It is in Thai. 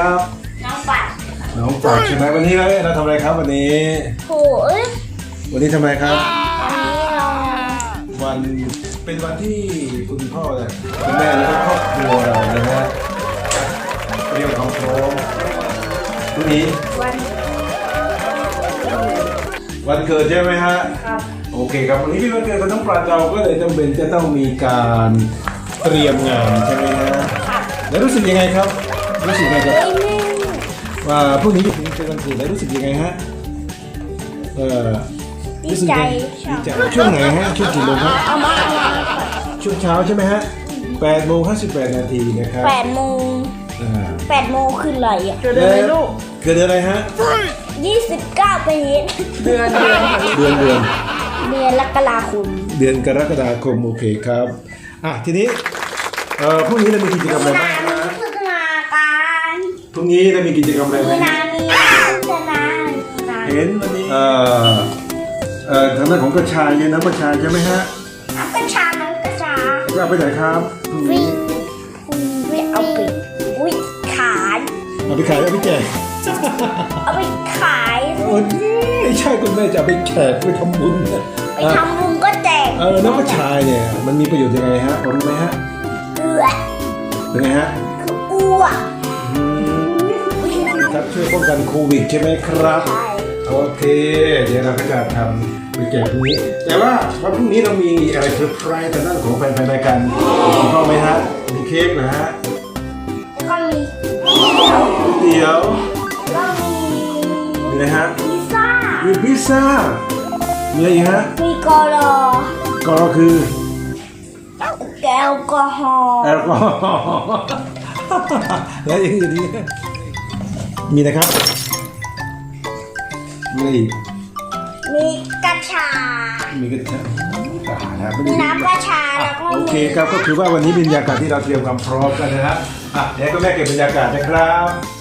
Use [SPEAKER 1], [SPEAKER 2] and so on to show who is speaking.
[SPEAKER 1] ครับ
[SPEAKER 2] น้องปัด
[SPEAKER 1] น้องปัดใช่ไหมวันนี้เราทำอะไรครับวันนี้
[SPEAKER 2] โอ้ย
[SPEAKER 1] วันนี้ทำไมครับ
[SPEAKER 2] อันนี้เรา
[SPEAKER 1] วันเป็นวันที่คุณพ่อเนี่ยคุณแม่และครอบครัวเรานะฮะเตรียมความพร้อมพรุ่งนี้ วันเกิดใช่ไหมฮะ
[SPEAKER 2] ครับ
[SPEAKER 1] โอเคครับวันนี้ที่วันเกิดของน้องปราณเราก็เลยจำเป็นจะต้องมีการเตรียมงานใช่ไหมฮะแล้วรู้สึกยังไงครับรู้สึกยังไงครับ ว่าพรุ่งนี้เป็นวันเกิดแล้วรู้สึกยังไงฮะรู้สึกยังไงดีใจช่วงไหนฮะช่วงกี่โมงครับ
[SPEAKER 2] เอามา
[SPEAKER 1] ช่วงเช้าใช่ไหมฮะ8:58 นาทีนะครับ
[SPEAKER 2] 8 โมงคืออะไรอ่ะ
[SPEAKER 3] เกิดอะไรลูก
[SPEAKER 1] เกิดอะไรฮะ
[SPEAKER 2] 29 ปี
[SPEAKER 3] เดือน
[SPEAKER 1] เดือน
[SPEAKER 2] เดือนกรกฎาคม
[SPEAKER 1] เดือนกรกฎาคมโอเคครับทีนี้พรุ่งนี้เรามีกิจกรรมอะไรบ้างฮะ
[SPEAKER 2] พัฒนาการ
[SPEAKER 1] พรุ่งนี้เรามีกิจกรรมอะไร
[SPEAKER 2] มี
[SPEAKER 1] บ้าง
[SPEAKER 2] นามีพัฒนา
[SPEAKER 1] เห็นวันนี้ทางด้านของกระชายเนี่ยน้ำกระชายใช่ไหมฮะ
[SPEAKER 2] น้ำกระชาน้ำกระชา
[SPEAKER 1] ก็เอาไปไหนครับพรุ่งนี้
[SPEAKER 2] วิ่งเอาไปอุ้ยขาย
[SPEAKER 1] เอาไปขายเอาไปแจก
[SPEAKER 2] เอาไปขาย
[SPEAKER 1] โอ้ยไม่ใช่คุณแม่จะเอาไปแขกไปทำบุญนะ
[SPEAKER 2] ไปทำบุญก็แจก
[SPEAKER 1] น้ำกระชายเนี่ยมันมีประโยชน์ยังไงฮะพอรู้ไหมฮะ
[SPEAKER 2] เกลือ
[SPEAKER 1] เป็นไงฮะ
[SPEAKER 2] อ้วก
[SPEAKER 1] ครับช่วยป้องกันโควิดใช่ไหมครับ
[SPEAKER 2] ใช่
[SPEAKER 1] โอเคเดี๋ยวเราก็จะทำไปแจกพรุ่งนี้ แต่ว่าวันพรุ่งนี้เรามีอะไรเซอร์ไพรส์ทางด้านของแฟนๆรายการถูกต้องไหมฮะมีเค้กนะฮะ
[SPEAKER 2] ก็มี
[SPEAKER 1] เตี๋ยว
[SPEAKER 2] ก็มี
[SPEAKER 1] มีอะไรฮะ
[SPEAKER 2] พิซซ่า
[SPEAKER 1] มีพิซซ่ามีอะไรอีกฮะ
[SPEAKER 2] มีกอลอ
[SPEAKER 1] ก็คือ
[SPEAKER 2] แอลกอฮอล์
[SPEAKER 1] แอลกอฮอล์แล้วอย่างอื่นนี่มีนะครับมีอะไรอีก
[SPEAKER 2] มีกระชา
[SPEAKER 1] มีกระชายนะไม่
[SPEAKER 2] มี
[SPEAKER 1] ได้
[SPEAKER 2] น้ำกระชาแล้วก็
[SPEAKER 1] โอเคครับก็คือว่าวันนี้เป็นบรรยากาศที่เราเตรียมความพร้อมกันนะฮะเดี๋ยวก็แม่เก็บบรรยากาศนะครับ